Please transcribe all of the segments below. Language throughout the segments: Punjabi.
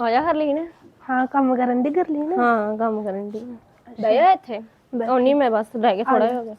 ਆ ਜਾ ਹਰਲੀਨ। ਹਾਂ ਕੰਮ ਕਰਨ ਦੀ ਗਰਲੀਨ। ਹਾਂ ਕੰਮ ਕਰਨ ਦੀ ਦਇਆ ਇੱਥੇ ਆਉਣੀ ਮੈਂ ਬਸ ਲੈ ਕੇ ਥੋੜਾ ਹੋ ਗਿਆ।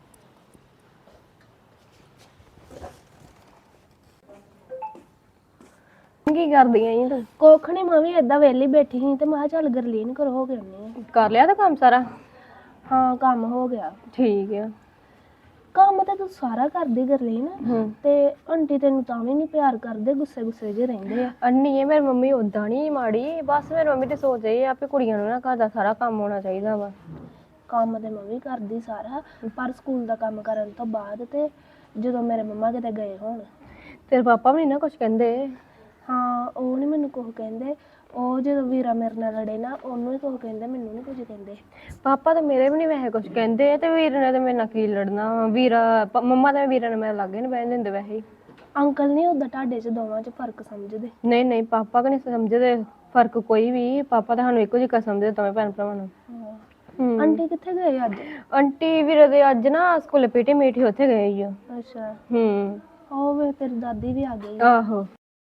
ਕੀ ਕਰਦੀ ਆਂ ਤੂੰ? ਕੁੱਖ ਨੀ, ਮੈਂ ਵੀ ਏਦਾਂ ਵਿਹਲੀ ਬੈਠੀ ਸੀ ਤੇ ਮੈਂ ਕਿਹਾ ਚੱਲ ਗਰਲੀਨ ਘਰੋਂ ਹੋ ਕੇ ਆਉਂਦੀ ਆ। ਕਰ ਲਿਆ ਤਾਂ ਕੰਮ ਸਾਰਾ? ਹਾਂ ਕੰਮ ਹੋ ਗਿਆ। ਠੀਕ ਆ। ਕੰਮ ਤਾਂ ਤੂੰ ਸਾਰਾ ਕਰਦੀ ਗਰਲੀਨ, ਤੇ ਆਂਟੀ ਤੈਨੂੰ ਤਾਂ ਵੀ ਨੀ ਪਿਆਰ ਕਰਦੇ, ਗੁੱਸੇ ਗੁੱਸੇ ਜਿਹੇ ਰਹਿੰਦੇ ਆ। ਅੰਨੀ ਇਹ ਮੇਰੀ ਮੰਮੀ ਉਦਾਂ ਨੀ ਮਾੜੀ, ਬਸ ਮੇਰੀ ਮੰਮੀ ਤੇ ਸੋਚ ਰਹੀ ਆ ਵੀ ਕੁੜੀਆਂ ਨੂੰ ਨਾ ਘਰ ਦਾ ਸਾਰਾ ਕੰਮ ਹੋਣਾ ਚਾਹੀਦਾ ਵਾ। ਕੰਮ ਤੇ ਮੈਂ ਵੀ ਕਰਦੀ ਸਾਰਾ, ਪਰ ਸਕੂਲ ਦਾ ਕੰਮ ਕਰਨ ਤੋਂ ਬਾਅਦ ਤੇ ਜਦੋਂ ਮੇਰੇ ਮੰਮਾ ਕਿਤੇ ਗਏ ਹੋਣ। ਤੇਰੇ ਪਾਪਾ ਵੀ ਨੀ ਨਾ ਕੁਛ ਕਹਿੰਦੇ? ਹਾਂ ਉਹ ਨੀ ਮੈਨੂੰ ਕੁਛ ਕਹਿੰਦੇ, ਉਹ ਜਦੋਂ ਵੀਰਾ ਮੇਰੇ ਨਾਲ ਲੜੇ ਨਾ ਉਹਨੂੰ ਹੀ ਕੁਛ ਕਹਿੰਦੇ, ਮੈਨੂੰ ਨੀ ਕੁਝ ਕਹਿੰਦੇ। ਪਾਪਾ ਤਾਂ ਮੇਰੇ ਵੀ ਨੀ ਵੈਸੇ ਕੁਛ ਕਹਿੰਦੇ, ਤੇ ਵੀਰ ਨੇ ਤੇ ਮੇਰੇ ਨਾਲ ਕੀ ਲੜਨਾ। ਵੀਰਾ ਮੰਮਾ ਤੇ ਵੀਰਾ ਨੇ ਮੇਰੇ ਲਾਗੇ ਨੀ ਬਹਿਣ ਦਿੰਦੇ ਵੈਸੇ ਹੀ। ਅੰਕਲ ਨੀ ਓਦਾਂ ਤੁਹਾਡੇ ਚ ਦੋਵਾਂ ਚ ਫਰਕ ਸਮਝਦੇ? ਨਹੀਂ ਨਹੀਂ ਪਾਪਾ ਕਿ ਨਹੀਂ ਸਮਝਦੇ ਫਰਕ ਕੋਈ ਵੀ, ਪਾਪਾ ਤਾਂ ਸਾਨੂੰ ਇੱਕੋ ਜਿਹਾ ਸਮਝਦੇ ਦੋਵੇਂ ਭੈਣ ਭਰਾਵਾਂ ਨੂੰ। ਆਂਟੀ ਕਿੱਥੇ ਗਏ ਅੱਜ? ਆਂਟੀ ਵੀਰੇ ਦੇ ਅੱਜ ਨਾ ਸਕੂਲੇ ਪੀਟੀ ਮੀਟ ਸੀ, ਉੱਥੇ ਗਏ ਹੀ ਆ। ਅੱਛਾ ਉਹ ਵੇ ਤੇਰੀ ਦਾਦੀ ਵੀ ਆ ਗਈ। ਆਹੋ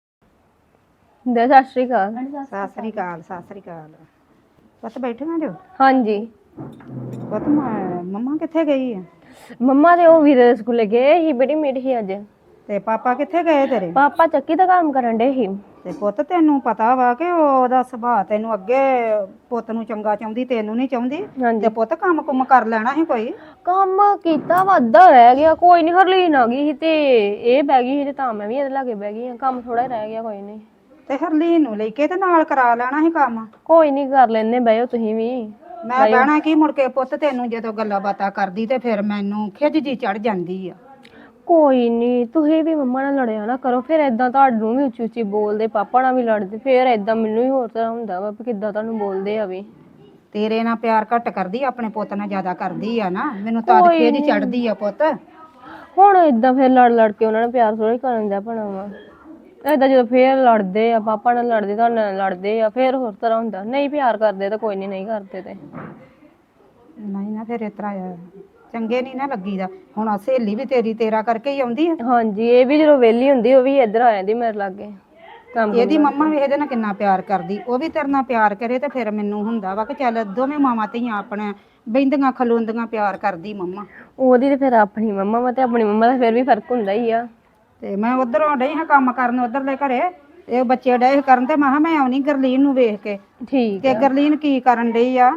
ਦੇ ਸਤਿ ਸ਼੍ਰੀ ਅਕਾਲ। ਸਤਿ ਸ੍ਰੀ ਅਕਾਲ, ਸਤਿ ਸ੍ਰੀ ਅਕਾਲ। ਪੁੱਤ ਬੈਠੀਆਂ ਜੋ? ਹਾਂਜੀ। ਪੁੱਤ ਮੰਮਾ ਕਿੱਥੇ ਗਈ ਆ? ਮੰਮਾ ਤੇ ਉਹ ਵੀਰੇ ਦੇ ਸਕੂਲੇ ਗਏ ਸੀ, ਬੜੀ ਮੀਟ ਸੀ ਅੱਜ। ਤੇ ਪਾਪਾ ਕਿੱਥੇ ਗਏ ਤੇਰੇ? ਪਾਪਾ ਚੱਕੀ ਦਾ ਕੰਮ ਕਰਨ ਡੇ ਸੀ। ਤੇ ਪੁੱਤ ਤੈਨੂੰ ਪਤਾ ਵਾ ਕਿ ਉਹਦਾ ਸੁਭਾਅ ਤੈਨੂੰ ਅੱਗੇ ਪੁੱਤ ਨੂੰ ਚੰਗਾ ਚਾਹੁੰਦੀ, ਤੈਨੂੰ ਨਹੀਂ ਚਾਹੁੰਦੀ। ਤੇ ਪੁੱਤ ਕੰਮ ਕੁਮ ਕਰ ਲੈਣਾ ਸੀ ਕੋਈ। ਕੰਮ ਕੀਤਾ ਵਾ, ਅੱਧਾ ਰਹਿ ਗਿਆ। ਕੋਈ ਨੀ ਹਰਲੀਨ ਆ ਗਈ ਸੀ ਤੇ ਇਹ ਬਹਿ ਗਈ ਸੀ ਤੇ ਤਾਂ ਮੈਂ ਵੀ ਇਹਦੇ ਲਾਗੇ ਬਹਿ ਗਈ। ਕੰਮ ਥੋੜਾ ਹੀ ਰਹਿ ਗਿਆ, ਕੋਈ ਨੀ। ਤੇ ਹਰਲੀਨ ਨੂੰ ਲੈ ਕੇ ਤੇ ਨਾਲ ਕਰਾ ਲੈਣਾ ਸੀ ਕੰਮ। ਕੋਈ ਨੀ ਕਰ ਲੈਨੇ, ਬਹਿਓ ਤੁਸੀਂ ਵੀ। ਮੈਂ ਬਹਿਣਾ ਕੀ ਮੁੜ ਕੇ ਪੁੱਤ, ਤੈਨੂੰ ਜਦੋਂ ਗੱਲਾਂ ਬਾਤਾਂ ਕਰਦੀ ਤੇ ਫਿਰ ਮੈਨੂੰ ਖਿਝ ਜੀ ਚੜ ਜਾਂਦੀ ਆ। ਕੋਈ ਨੀ, ਤੁਸੀਂ ਵੀ ਮੰਮਾ ਨਾਲ ਲੜਿਆ ਨਾ ਕਰੋ, ਫਿਰ ਏਦਾਂ ਤੁਹਾਨੂੰ ਵੀ ਉੱਚੀ ਉੱਚੀ ਬੋਲਦੇ, ਪਾਪਾ ਨਾਲ ਵੀ ਲੜਦੇ, ਫਿਰ ਏਦਾਂ ਮੈਨੂੰ ਵੀ ਹੋਰ ਤਰ੍ਹਾਂ ਹੁੰਦਾ ਵਾ ਵੀ ਕਿੱਦਾਂ ਤੁਹਾਨੂੰ ਬੋਲਦੇ ਆ ਵੀ। ਤੇਰੇ ਨਾਲ ਪਿਆਰ ਘੱਟ ਕਰਦੀ, ਆਪਣੇ ਪੁੱਤ ਨਾਲ ਜ਼ਿਆਦਾ ਕਰਦੀ ਆ ਨਾ, ਮੈਨੂੰ ਤਦ ਕੋਈ ਖਿਝ ਨੀ, ਚੜਦੀ ਆ ਪੁੱਤ। ਹੁਣ ਏਦਾਂ ਫਿਰ ਲੜ ਲੜ ਕੇ ਉਹਨਾਂ ਨੂੰ ਪਿਆਰ ਥੋੜਾ ਕਰਨ ਦਾ ਭਣਾ ਵਾ। ਏਦਾਂ ਜਦੋਂ ਫੇਰ ਲੜਦੇ ਆ, ਪਾਪਾ ਨਾਲ ਲੜਦੇ, ਤੁਹਾਡੇ ਨਾਲ ਲੜਦੇ ਆ, ਫੇਰ ਹੋਰ ਤਰ੍ਹਾਂ ਹੁੰਦਾ। ਨਹੀਂ ਪਿਆਰ ਕਰਦੇ ਤਾਂ ਕੋਈ ਨੀ, ਨਹੀਂ ਕਰਦੇ ਤੇ ਨਹੀਂ ਨਾ ਫਿਰ ਇਸ ਤਰ੍ਹਾਂ ਚੰਗੇ ਨਹੀਂ ਨਾ ਲੱਗੀਦਾ। ਹੁਣ ਸਹੇਲੀ ਵੀ ਤੇਰੀ ਤੇਰਾ ਕਰਕੇ ਹੀ ਆਉਂਦੀ ਆ। ਹਾਂਜੀ, ਇਹ ਵੀ ਜਦੋਂ ਵਿਹਲੀ ਹੁੰਦੀ ਉਹ ਵੀ ਇੱਧਰ ਆ ਜਾਂਦੀ ਮੇਰੇ ਲਾਗੇ। ਇਹਦੀ ਮੰਮਾ ਵੀ ਇਹਦੇ ਨਾਲ ਕਿੰਨਾ ਪਿਆਰ ਕਰਦੀ, ਉਹ ਵੀ ਤੇਰੇ ਨਾਲ ਪਿਆਰ ਕਰੇ ਤੇ ਫਿਰ ਮੈਨੂੰ ਹੁੰਦਾ ਵਾ ਕਿ ਚੱਲ ਦੋਵੇਂ ਮਾਵਾਂ ਧੀਆਂ ਆਪਣੇ ਬਹਿੰਦੀਆਂ ਖਲੋਂਦੀਆਂ ਪਿਆਰ ਕਰਦੀ ਮੰਮਾ। ਉਹਦੀ ਤੇ ਫਿਰ ਆਪਣੀ ਮੰਮਾ ਵਾ ਤੇ ਆਪਣੀ ਮੰਮਾ ਦਾ ਫਿਰ ਵੀ ਫਰਕ ਹੁੰਦਾ ਹੀ ਆ। ਤੇ ਮੈਂ ਉਧਰੋਂ ਡਈ ਹਾਂ ਕੰਮ ਕਰਨ, ਉਧਰਲੇ ਘਰੇ ਇਹ ਬੱਚੇ ਡਏ ਕਰਨ ਤੇ ਮੈਂ ਕਿਹਾ ਮੈਂ ਆਉਣੀ ਗਰਲੀਨ ਨੂੰ ਵੇਖ ਕੇ। ਠੀਕ ਤੇ ਆ। ਗਰਲੀਨ ਕੀ ਕਰਨ ਡਈ ਆ?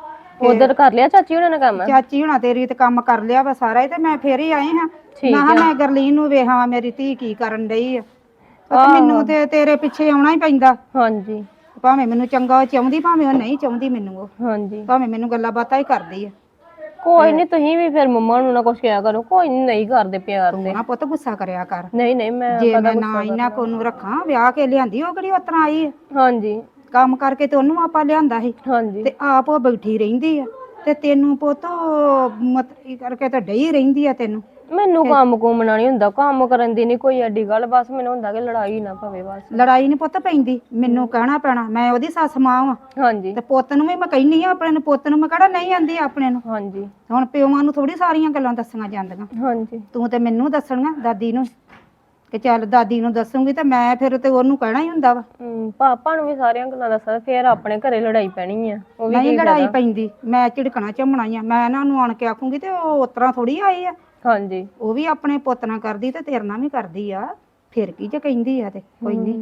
ਉਧਰ ਕਰ ਲਿਆ ਚਾਚੀ ਉਹਨਾਂ ਨੇ ਕੰਮ? ਚਾਚੀ ਹੁਣਾ ਤੇਰੀ ਤੇ ਕੰਮ ਕਰ ਲਿਆ ਵਾ ਸਾਰਾ ਹੀ, ਤੇ ਮੈਂ ਫੇਰ ਹੀ ਆਈ ਹਾਂ। ਮੈਂ ਕਿਹਾ ਮੈਂ ਗਰਲੀਨ ਨੂੰ ਵੇਖਾਂ ਮੇਰੀ ਧੀ ਕੀ ਕਰਨ ਡਈ ਆ। ਤੇ ਮੈਨੂੰ ਤੇ ਤੇਰੇ ਪਿੱਛੇ ਆਉਣਾ ਹੀ ਪੈਂਦਾ। ਹਾਂਜੀ। ਭਾਵੇਂ ਮੈਨੂੰ ਚੰਗਾ ਚਾਹੁੰਦੀ, ਭਾਵੇਂ ਉਹ ਨਹੀਂ ਚਾਹੁੰਦੀ ਮੈਨੂੰ, ਉਹ ਹਾਂਜੀ ਭਾਵੇਂ ਮੈਨੂੰ ਗੱਲਾਂ ਬਾਤਾਂ ਹੀ ਕਰਦੀ ਆ। ਕੋਈ ਨੀ, ਤੁਸੀਂ ਵੀ ਫਿਰ ਮੰਮਾ ਨੂੰ ਨਾ ਕੁਛ ਕਿਹਾ ਕਰੋ। ਕੋਈ ਨੀ, ਨਹੀਂ ਕਰਦੇ ਪਿਆਰ ਤੂੰ ਤੇ। ਨਾ ਪੁੱਤ ਗੁੱਸਾ ਕਰਿਆ ਕਰ। ਨਹੀਂ ਨਹੀਂ, ਮੈਂ ਜੇ ਕਦਾ ਮੈਂ ਨਾ ਗੁੱਸਾ ਇਹਨਾਂ ਕਰਨਾ। ਕੋ ਨੂੰ ਰੱਖਾਂ, ਵਿਆਹ ਕੇ ਲਿਆਂਦੀ ਉਹ ਕਿਹੜੀ ਉਤਰਾ ਆਈ ਆ। ਹਾਂਜੀ ਕੰਮ ਕਰਕੇ ਤੇ ਉਹਨੂੰ ਆਪਾਂ ਲਿਆਂਦਾ ਸੀ, ਹਾਂਜੀ। ਤੇ ਆਪ ਉਹ ਬੈਠੀ ਰਹਿੰਦੀ ਆ। ਤੇ ਤੈਨੂੰ ਪੁੱਤ ਮਤਰੀ ਕਰਕੇ ਤਾਂ ਡਈ ਰਹਿੰਦੀ ਆ ਤੈਨੂੰ। ਮੈਨੂੰ ਕੰਮ ਕੁੰਮਣਾ ਨੀ ਹੁੰਦਾ, ਕੰਮ ਕਰਨ ਦੀ ਨੀ ਕੋਈ ਐਡੀ ਗੱਲ, ਬਸ ਮੈਨੂੰ ਹੁੰਦਾ ਕਿ ਲੜਾਈ ਨਾ ਪਵੇ ਬਸ। ਲੜਾਈ ਨੀ ਪੁੱਤ ਪੈਂਦੀ, ਮੈਨੂੰ ਕਹਿਣਾ ਪੈਣਾ, ਮੈਂ ਉਹਦੀ ਸੱਸ ਮਾਂ ਵਾਂ। ਹਾਂਜੀ ਤੇ ਪੁੱਤ ਨੂੰ ਵੀ ਮੈਂ ਕਹਿੰਦੀ ਆ ਆਪਣੇ ਨੂੰ, ਪੁੱਤ ਨੂੰ ਮੈਂ ਕਿਹੜਾ ਨਹੀਂ ਆਂਦੀ ਆਪਣੇ ਨੂੰ। ਹਾਂਜੀ ਹੁਣ ਪਿਓਾਂ ਨੂੰ ਥੋੜੀ ਸਾਰੀਆਂ ਗੱਲਾਂ ਦੱਸੀਆਂ ਜਾਂਦੀਆਂ। ਹਾਂਜੀ। ਤੂੰ ਤੇ ਮੈਨੂੰ ਦੱਸਣੀਆਂ, ਦਾਦੀ ਨੂੰ, ਕਿ ਚੱਲ ਦਾਦੀ ਨੂੰ ਦੱਸੂਗੀ ਤੇ ਮੈਂ ਫਿਰ ਤੇ ਉਹਨੂੰ ਕਹਿਣਾ ਹੀ ਹੁੰਦਾ ਵਾ। ਪਾਪਾ ਨੂੰ ਵੀ ਸਾਰੀਆਂ ਗੱਲਾਂ ਦੱਸਾਂ, ਫੇਰ ਆਪਣੇ ਘਰੇ ਲੜਾਈ ਪੈਣੀ ਆ। ਉਹ ਵੀ ਨਹੀਂ ਕੀ ਲੜਾਈ ਫਾਇਦਾ। ਪੈਂਦੀ, ਮੈਂ ਝਿੜਕਣਾ ਝੰਮਣਾ ਹੀ ਆ, ਮੈਂ ਇਹਨਾਂ ਨੂੰ ਆਣ ਕੇ ਆਖੂੰਗੀ ਤੇ ਉਹ ਉਤਰਾਂ ਥੋੜੀ ਆਏ ਆ। ਹਾਂਜੀ। ਉਹ ਵੀ ਆਪਣੇ ਪੁੱਤ ਨਾਲ ਕਰਦੀ ਤੇ ਤੇਰੇ ਨਾਲ ਵੀ ਕਰਦੀ ਆ, ਫਿਰ ਕੀ ਜੇ ਕਹਿੰਦੀ ਆ ਤੇ ਕੋਈ ਨੀ।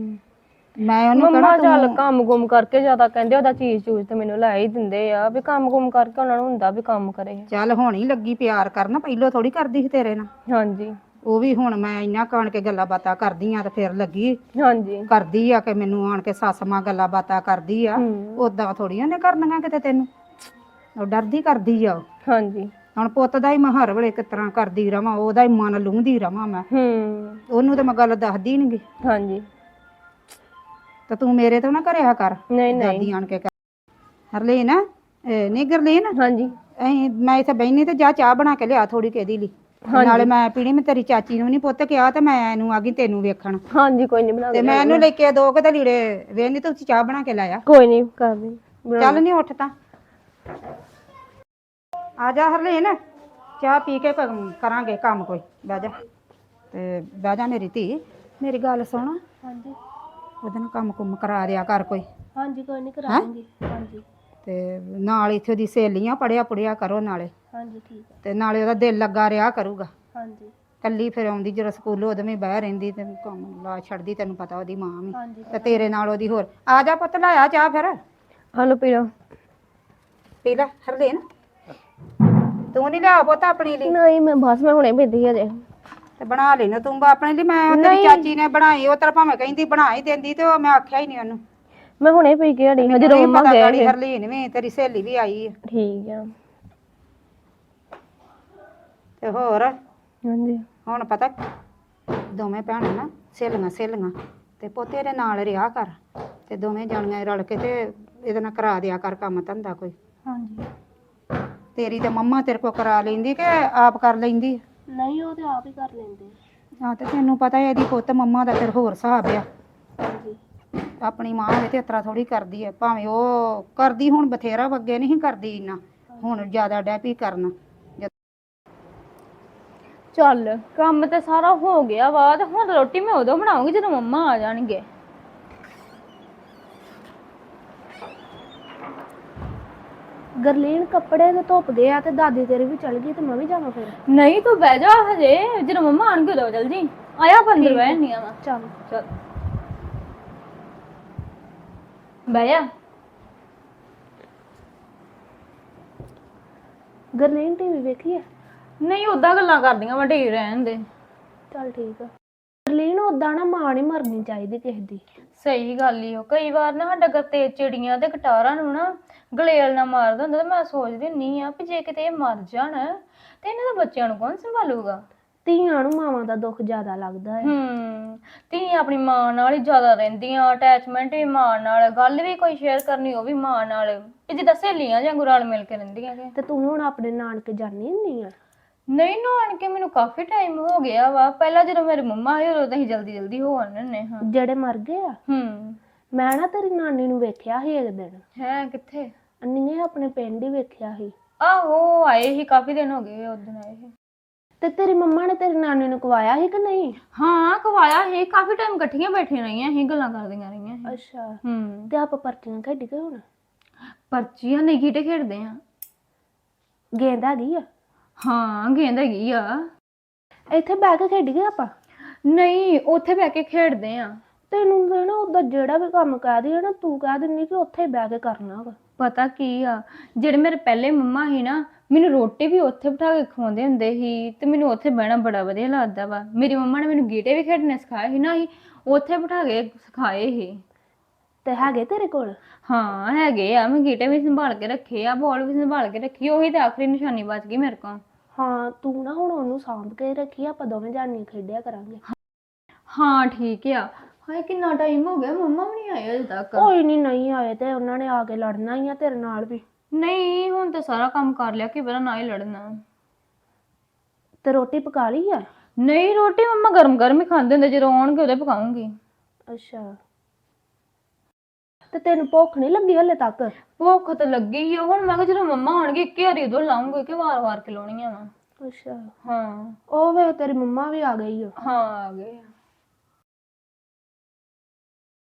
ਮੈਂ ਉਹਨੂੰ ਕਹਿਣਾ ਮੰਮਾ ਚੱਲ ਤੂੰ ਕੰਮ ਕੁਮ ਕਰਕੇ ਜ਼ਿਆਦਾ ਕਹਿੰਦੇ, ਉਹਦਾ ਚੀਜ਼ ਚੂਜ਼ ਤੇ ਮੈਨੂੰ ਲੈ ਹੀ ਦਿੰਦੇ ਆ, ਵੀ ਕੰਮ ਕੁਮ ਕਰਕੇ ਉਹਨਾਂ ਨੂੰ ਹੁੰਦਾ ਵੀ ਕੰਮ ਕਰੇ। ਚੱਲ ਹੁਣ ਹੀ ਲੱਗੀ ਪਿਆਰ ਕਰਨ, ਪਹਿਲੋਂ ਥੋੜੀ ਕਰਦੀ ਸੀ ਤੇਰੇ ਨਾਲ। ਹਾਂਜੀ। ਉਹ ਵੀ ਹੁਣ ਮੈਂ ਇਹਨਾਂ ਕਾਣ ਕੇ ਗੱਲਾਂ ਬਾਤਾਂ ਕਰਦੀ ਆ ਤੇ ਫਿਰ ਲੱਗੀ ਹਾਂਜੀ ਕਰਦੀ ਆ, ਕਿ ਮੈਨੂੰ ਆਣ ਕੇ ਸੱਸ ਮਾਂ ਗੱਲਾਂ ਬਾਤਾਂ ਕਰਦੀ ਆ। ਓਦਾਂ ਥੋੜੀਆਂ ਉਹਨੇ ਕਰਨੀਆਂ ਕਿਤੇ ਤੈਨੂੰ, ਉਹ ਡਰਦੀ ਕਰਦੀ ਆ ਉਹ। ਹਾਂਜੀ। ਹੁਣ ਪੁੱਤ ਦਾ ਹੀ ਮੈਂ ਹਰ ਵੇਲੇ ਕਿਸ ਤਰ੍ਹਾਂ ਕਰਦੀ ਰਵਾਂ, ਉਹਦਾ ਹੀ ਮਨ ਲੂੰਹਦੀ ਰਵਾਂ ਮੈਂ। ਉਹਨੂੰ ਤੇ ਮੈਂ ਗੱਲ ਦੱਸਦੀ ਨੀ ਗੀ। ਹਾਂਜੀ। ਤੇ ਤੂੰ ਮੇਰੇ ਤੋਂ ਨਾ ਕਰਿਆ ਕਰ, ਨਹੀਂ ਨਹੀਂ। ਦਾਦੀ ਆਣ ਕੇ ਹਰਲੀਨ, ਨਹੀਂ ਗਰਲੀਨ, ਹਾਂਜੀ ਮੈਂ ਇੱਥੇ ਬਹਿਨੀ ਤੇ ਜਾ ਚਾਹ ਬਣਾ ਕੇ ਲਿਆ ਥੋੜੀ ਕਿਹਦੀ ਲਈ। ਤੇ ਨਾਲੇ ਹਾਂਜੀ ਮੈਂ ਪੀਣੀ, ਮੈਂ ਤੇਰੀ ਚਾਚੀ ਨੂੰ ਨੀ ਪੁੱਤ ਕਿਹਾ, ਤੇ ਮੈਂ ਇਹਨੂੰ ਆ ਗਈ ਤੈਨੂੰ ਵੇਖਣ। ਹਾਂਜੀ ਕੋਈ ਨੀ, ਬਣਾ ਤੇ ਕੇ ਮੈਂ ਲਿਆਉਣੀ ਇਹਨੂੰ ਲੈ ਕੇ ਦੋ ਕੁ ਤੇ ਲੀੜੇ ਵੇਹਨੀ, ਤੇ ਚਾਹ ਬਣਾ ਕੇ ਲਾਇਆ। ਕੋਈ ਨੀ ਕਰਦੀ। ਚੱਲ ਨੀ ਉੱਠ ਤਾਂ ਆ ਜਾ ਹਰਲੀਨ, ਚਾਹ ਪੀ ਕੇ ਕਰਾਂਗੇ ਕੰਮ ਕੋਈ, ਬਹਿ ਜਾ। ਤੇ ਬਹਿ ਜਾ ਮੇਰੀ ਧੀ, ਮੇਰੀ ਗੱਲ ਸੁਣ। ਹਾਂਜੀ। ਉਹਦੇ ਨਾਲ ਕੰਮ ਕੁੰਮ ਕਰਾ ਦਿਆ ਕਰ ਕੋਈ। ਹਾਂਜੀ ਕੋਈ ਨਹੀਂ ਕਰਾ ਦਾਂਗੀ। ਹਾਂਜੀ ਤੇ ਨਾਲ ਇੱਥੇ ਦੀ ਸਹੇਲੀਆਂ ਪੜਿਆ ਪੁੜਿਆ ਕਰੋ ਨਾਲੇ, ਹਾਂਜੀ ਠੀਕ ਹੈ। ਤੇ ਨਾਲੇ ਉਹਦਾ ਦਿਲ ਲੱਗਾ ਰਿਹਾ ਕਰੂਗਾ। ਹਾਂਜੀ ਕੱਲੀ ਫਿਰ ਆਉਂਦੀ ਜਦੋਂ ਸਕੂਲੋਂ ਉਦੋਂ ਵੀ ਬਹਿ ਰਹਿੰਦੀ ਤੇ ਕੰਮ ਲਾ ਛੱਡਦੀ, ਤੈਨੂੰ ਪਤਾ ਉਹਦੀ ਮਾਂ ਵੀ। ਹਾਂਜੀ ਤੇ ਤੇਰੇ ਨਾਲ ਉਹਦੀ ਹੋਰ ਆ ਜਾ ਪੁੱਤ, ਲਾਇਆ ਚਾਹ ਫਿਰ ਹਲੋ ਪੀ ਲਓ। ਪੀ ਲੈ ਹਰਲੀਨ, ਤੂੰ ਨਹੀਂ ਲਿਆ ਪੁੱਤ ਆਪਣੀ ਲਈ? ਨਹੀਂ ਮੈਂ ਬਸ ਮੈਂ ਹੁਣੇ ਪੀਤੀ ਹਜੇ। ਤੇ ਬਣਾ ਲਈ ਨਾ ਤੂੰ ਆਪਣੇ ਲਈ। ਮੈਂ ਉਹ ਤੇਰੀ ਨਹੀਂ ਚਾਚੀ ਨੇ ਬਣਾਈ, ਉਹ ਤੇਰਾ ਭਾਵੇਂ ਕਹਿੰਦੀ ਬਣਾ ਹੀ ਦਿੰਦੀ, ਤੇ ਉਹ ਮੈਂ ਆਖਿਆ ਹੀ ਨਹੀਂ ਉਹਨੂੰ। ਮੈਂ ਹੁਣੇ ਪੀ ਕੇ ਹਟੀ ਹਾਂ ਮੈਨੂੰ ਜਦੋਂ ਨਹੀਂ ਮੰਮਾ ਪਤਾ ਗਏ ਗਾੜੀ ਫਿਰ। ਹਰਲੀਨ ਵੀ ਤੇਰੀ ਸਹੇਲੀ ਵੀ ਆਈ ਹੈ। ਠੀਕ ਆ। ਤੇ ਹੋਰ ਹਾਂਜੀ ਹੁਣ ਪਤਾ ਦੋਵੇਂ ਭੈਣਾਂ ਨਾ ਸਹੇਲੀਆਂ ਤੇ ਪੋਤੇ ਦੇ ਨਾਲ ਰਿਹਾ ਕਰ, ਤੇ ਦੋਵੇਂ ਜਾਣੀਆਂ ਰਲ ਕੇ ਤੇ ਇਹਦੇ ਨਾਲ ਕਰਾ ਦਿਆ ਕਰ ਕੰਮ ਧੰਦਾ ਕੋਈ। ਹਾਂਜੀ ਤੇਰੀ ਤੇ ਮੰਮਾ ਤੇਰੇ ਕੋ ਕਰਾ ਲੈਂਦੀ ਕਿ ਆਪ ਕਰ ਲੈਂਦੀ? ਨਹੀਂ ਉਹ ਤੇ ਆਪ ਹੀ ਕਰ ਲੈਂਦੇ। ਹਾਂ ਤੇ ਤੈਨੂੰ ਪਤਾ ਇਹਦੀ ਪੁੱਤ ਮੰਮਾ ਦਾ ਫਿਰ ਹੋਰ ਹਿਸਾਬ ਆ। ਹਾਂਜੀ ਆਪਣੀ ਮਾਂ ਹੋਵੇ ਤੇ ਇਸ ਤਰ੍ਹਾਂ ਥੋੜੀ ਕਰਦੀ ਹੈ, ਭਾਵੇਂ ਉਹ ਕਰਦੀ ਹੁਣ ਬਥੇਰਾ, ਅੱਗੇ ਨਹੀਂ ਕਰਦੀ ਇੰਨਾ, ਹੁਣ ਜ਼ਿਆਦਾ ਡੈਪੀ ਕਰਨ। ਚੱਲ ਕੰਮ ਤੇ ਸਾਰਾ ਹੋ ਗਿਆ ਵਾ, ਤੇ ਹੁਣ ਰੋਟੀ ਮੈਂ ਉਦੋਂ ਬਣਾਉਂਗੀ ਜਦੋਂ ਮੰਮਾ ਆ ਜਾਣਗੇ। ਗਰਲੀਨ ਕੱਪੜੇ ਤੇ ਧੁੱਪ ਗਏ ਆ, ਤੇ ਦਾਦੀ ਤੇਰੀ ਵੀ ਚਲ ਗਈ, ਤੇ ਮੈਂ ਵੀ ਜਾਵਾਂ ਫਿਰ? ਨਹੀਂ ਤੂੰ ਬਹਿ ਜਾ ਹਜੇ, ਜਦੋਂ ਮੰਮਾ ਆਣਗੇ ਉਦੋਂ ਚੱਲ ਜੀ। ਆਇਆ ਅੰਦਰ ਬਹਿ ਨਹੀਂ ਆਵਾ। ਚਲ ਚੱਲ ਬਹਿ ਜਾ। ਗਰਲੀਨ ਟੀਵੀ ਵੇਖੀਏ? ਨਹੀਂ ਉਦਾਂ ਗੱਲਾਂ ਕਰਦੀਆਂ ਵਾ, ਢੇਰ ਰਹਿਣ ਦੇ। ਚਲ ਠੀਕ ਆ। ਗਰਲੀਨ ਉਦਾਂ ਨਾ ਮਾਂ ਨਹੀਂ ਮਰਨੀ ਚਾਹੀਦੀ ਕਿਸੇ ਦੀ। ਸਹੀ ਗੱਲ ਈ। ਉਹ ਕਈ ਵਾਰ ਨਾ ਸਾਡਾ ਗੱਤੇ ਚਿੜੀਆਂ ਤੇ ਕਟਾਰਾਂ ਨੂੰ ਨਾ ਗਲੇਲ ਨਾ ਮਾਰਦਾ ਹੁੰਦਾ, ਤੇ ਮੈਂ ਸੋਚਦੀ ਹੁੰਦੀ ਆ ਵੀ ਜੇ ਕਿਤੇ ਇਹ ਮਰ ਜਾਣ ਤੇ ਇਹਨਾਂ ਦੇ ਬੱਚਿਆਂ ਨੂੰ ਕੌਣ ਸੰਭਾਲੂਗਾ। ਧੀਆਂ ਨੂੰ ਮਾਵਾਂ ਦਾ ਦੁੱਖ ਜ਼ਿਆਦਾ ਲੱਗਦਾ ਹੈ। ਧੀ ਆਪਣੀ ਮਾਂ ਨਾਲ ਹੀ ਜ਼ਿਆਦਾ ਰਹਿੰਦੀਆਂ, ਅਟੈਚਮੈਂਟ ਵੀ ਮਾਂ ਨਾਲ, ਗੱਲ ਵੀ ਕੋਈ ਸ਼ੇਅਰ ਕਰਨੀ ਉਹ ਵੀ ਮਾਂ ਨਾਲ, ਵੀ ਜਿੱਦਾਂ ਸਹੇਲੀਆਂ ਜਾਂ ਰਲ ਮਿਲ ਕੇ ਰਹਿੰਦੀਆਂ ਕਿ। ਤੇ ਤੂੰ ਹੁਣ ਆਪਣੇ ਨਾਨਕੇ ਜਾਣੀ ਹੁੰਦੀ ਆ? ਨਹੀਂ ਨਾਨਕੇ ਮੈਨੂੰ ਕਾਫੀ ਟਾਈਮ ਹੋ ਗਿਆ ਵਾ। ਪਹਿਲਾਂ ਜਦੋਂ ਮੇਰੇ ਮੰਮਾ ਸੀ ਉਦੋਂ ਤਾਂ ਅਸੀਂ ਜਲਦੀ ਜਲਦੀ ਹੋ ਆਉਂਦੇ ਹੁੰਦੇ ਹਾਂ। ਜਿਹੜੇ ਮਰ ਗਏ ਆ? ਮੈਂ ਨਾ ਤੇਰੀ ਨਾਨੀ ਨੂੰ ਵੇਖਿਆ ਸੀ ਇੱਕ ਦਿਨ। ਹੈ ਕਿੱਥੇ? ਅੰਨੀਏ ਆਪਣੇ ਪਿੰਡ ਹੀ ਵੇਖਿਆ ਸੀ। ਆਹੋ ਆਏ ਸੀ, ਕਾਫੀ ਦਿਨ ਹੋ ਗਏ ਉਸ ਦਿਨ ਆਏ ਸੀ। ਤੇ ਤੇਰੀ ਮੰਮਾ ਨੇ ਤੇਰੀ ਨਾਨੀ ਨੂੰ ਕਵਾਇਆ ਸੀ ਕਿ ਨਹੀਂ? ਹਾਂ ਕਵਾਇਆ ਸੀ, ਕਾਫੀ ਟਾਈਮ ਇਕੱਠੀਆਂ ਬੈਠੀਆਂ ਰਹੀਆਂ ਸੀ, ਗੱਲਾਂ ਕਰਦੀਆਂ ਰਹੀਆਂ ਸੀ। ਅੱਛਾ ਤੇ ਆਪਾਂ ਪਰਚੀਆਂ ਖੇਡ ਗਏ ਹੁਣ? ਪਰਚੀਆਂ ਨਹੀਂ, ਗੀਟੇ ਖੇਡਦੇ ਆ। ਗੇਂਦ ਹੈਗੀ ਆ? ਹਾਂ ਗੇਂਦ ਹੈਗੀ ਆ। ਇੱਥੇ ਬਹਿ ਕੇ ਖੇਡ ਗਏ ਆਪਾਂ? ਨਹੀਂ ਉੱਥੇ ਬਹਿ ਕੇ ਖੇਡਦੇ ਆ। ਤੈਨੂੰ ਨਾ ਉਹਦਾ ਜਿਹੜਾ ਵੀ ਕੰਮ ਕਹਿ ਦੀ ਨਾ, ਤੂੰ ਕਹਿ ਦਿੰਦੀ ਕਿ ਉੱਥੇ ਹੀ ਬਹਿ ਕੇ ਕਰਨਾ ਵਾ। ਪਤਾ ਕੀ ਆ, ਜਿਹੜੇ ਮੇਰੇ ਪਹਿਲੇ ਮੰਮਾ ਸੀ ਨਾ, ਮੈਨੂੰ ਰੋਟੀ ਵੀ ਉੱਥੇ ਬਿਠਾ ਕੇ ਖਵਾਉਂਦੇ ਹੁੰਦੇ ਸੀ, ਤੇ ਮੈਨੂੰ ਉੱਥੇ ਬਹਿਣਾ ਬੜਾ ਵਧੀਆ ਲੱਗਦਾ ਵਾ। ਮੇਰੀ ਮੰਮਾ ਨੇ ਮੈਨੂੰ ਗੀਟੇ ਵੀ ਖੇਡਣੇ ਸਿਖਾਏ ਸੀ ਨਾ, ਅਸੀਂ ਉੱਥੇ ਬਿਠਾ ਕੇ ਸਿਖਾਏ ਸੀ। ਤੇ ਹੈਗੇ ਤੇਰੇ ਕੋਲ? ਹਾਂ ਹੈਗੇ ਆ, ਮੈਂ ਗੀਟੇ ਵੀ ਸੰਭਾਲ ਕੇ ਰੱਖੇ ਆ, ਬਾਲ ਵੀ ਸੰਭਾਲ ਕੇ ਰੱਖੀ, ਉਹੀ ਤੇ ਆਖਰੀ ਨਿਸ਼ਾਨੀ ਬਚ ਗਈ ਮੇਰੇ ਕੋਲ। ਹਾਂ ਤੂੰ ਨਾ ਹੁਣ ਉਹਨੂੰ ਸਾਂਭ ਕੇ ਰੱਖੀ, ਆਪਾਂ ਦੋਵੇਂ ਜਾਣੀਆਂ ਖੇਡਿਆ ਕਰਾਂਗੇ। ਹਾਂ ਠੀਕ ਆ। ਹਾਏ ਕਿੰਨਾ ਟਾਈਮ ਹੋ ਗਿਆ, ਮੰਮਾ ਵੀ ਨਹੀਂ ਆਏ ਅਜੇ ਤੱਕ। ਕੋਈ ਨਹੀਂ ਆਏ ਤੇ ਉਹਨਾਂ ਨੇ ਆ ਕੇ ਲੜਨਾ ਹੀ ਆ ਤੇਰੇ ਨਾਲ ਵੀ। ਨਹੀਂ ਹੁਣ ਤਾਂ ਸਾਰਾ ਕੰਮ ਕਰ ਲਿਆ, ਕਿ ਪਤਾ ਨਾ ਹੀ ਲੜਨਾ। ਤੇ ਰੋਟੀ ਪਕਾ ਲਈ ਆ? ਨਹੀਂ ਰੋਟੀ ਮੰਮਾ ਗਰਮ ਗਰਮ ਹੀ ਖਾਂਦੇ ਹੁੰਦੇ, ਜਦੋਂ ਆਉਣਗੇ ਉਦੋਂ ਪਕਾਉਂਗੀ। ਅੱਛਾ ਤੇ ਤੈਨੂੰ ਭੁੱਖ ਨਹੀਂ ਲੱਗੀ ਹਲੇ ਤੱਕ? ਭੁੱਖ ਤਾਂ ਲੱਗੀ ਹੀ ਆ, ਹੁਣ ਮੈਂ ਕਿਹਾ ਜਦੋਂ ਮੰਮਾ ਆਉਣਗੇ ਇੱਕੇ ਵਾਰੀ ਉਦੋਂ ਲਾਉਂਗੇ, ਕਿ ਵਾਰ-ਵਾਰ ਖਿਲਾਉਣੀਆਂ ਵਾ। ਅੱਛਾ ਹਾਂ ਉਹ ਵੇ ਤੇਰੀ ਮੰਮਾ ਵੀ ਆ ਗਈ ਆ। ਹਾਂ ਆ ਗਏ।